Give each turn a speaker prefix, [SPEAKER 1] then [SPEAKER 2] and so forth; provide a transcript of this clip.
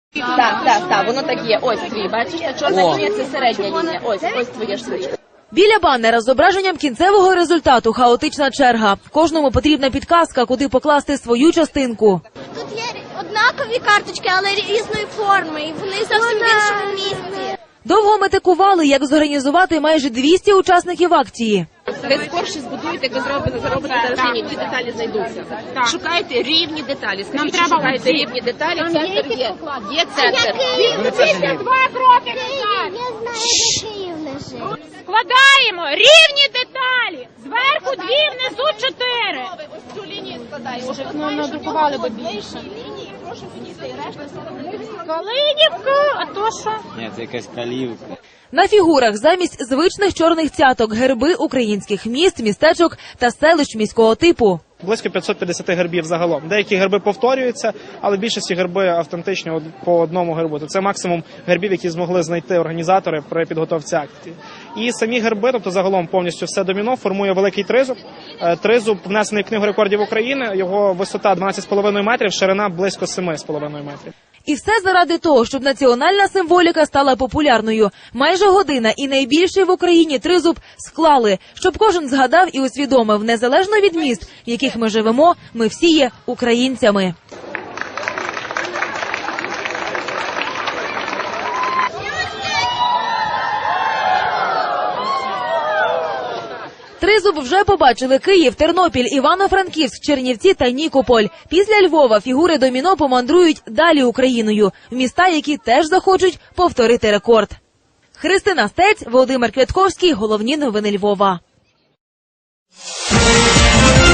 [SPEAKER 1] Так, воно так є. Ось твій, бачиш, та чорна лінія – це середня лінія. Ось твоя штучка.
[SPEAKER 2] Біля банера з зображенням кінцевого результату хаотична черга. Кожному потрібна підказка, куди покласти свою частинку.
[SPEAKER 3] Тут є однакові карточки, але різної форми, і вони зовсім в іншому місці.
[SPEAKER 2] Довго метикували, як зорганізувати майже 200 учасників акції.
[SPEAKER 1] Ви скорше збудуєте, як ви заробите зараз лінії, ті деталі знайдуться. Шукайте рівні деталі. Скажіть, що шукаєте рівні деталі, центр є. Є центр.
[SPEAKER 4] Після 2 кроки назад.
[SPEAKER 3] Я знаю, де Київ лежить.
[SPEAKER 4] Складаємо рівні деталі. Зверху 2, внизу 4.
[SPEAKER 1] Ось цю лінію складаємо.
[SPEAKER 4] Ну, надрукували би більше. Калинівка, а то що?
[SPEAKER 5] Ні, це якась калівка.
[SPEAKER 2] На фігурах замість звичних чорних цяток герби українських міст, містечок та селищ міського типу.
[SPEAKER 6] Близько 550 гербів загалом. Деякі герби повторюються, але більшості герби автентичні по одному гербу. Це максимум гербів, які змогли знайти організатори при підготовці акції. І самі герби, тобто загалом повністю все доміно, формує великий тризуб. Тризуб внесений в Книгу рекордів України, його висота 12,5 метрів, ширина близько 7,5 метрів.
[SPEAKER 2] І все заради того, щоб національна символіка стала популярною. Майже година і найбільший в Україні тризуб склали, щоб кожен згадав і усвідомив, незалежно від міст, в яких ми живемо, ми всі є українцями. Тризуб вже побачили Київ, Тернопіль, Івано-Франківськ, Чернівці та Нікополь. Після Львова фігури доміно помандрують далі Україною, в міста, які теж захочуть повторити рекорд. Христина Стець, Володимир Квятковський. Головні новини Львова.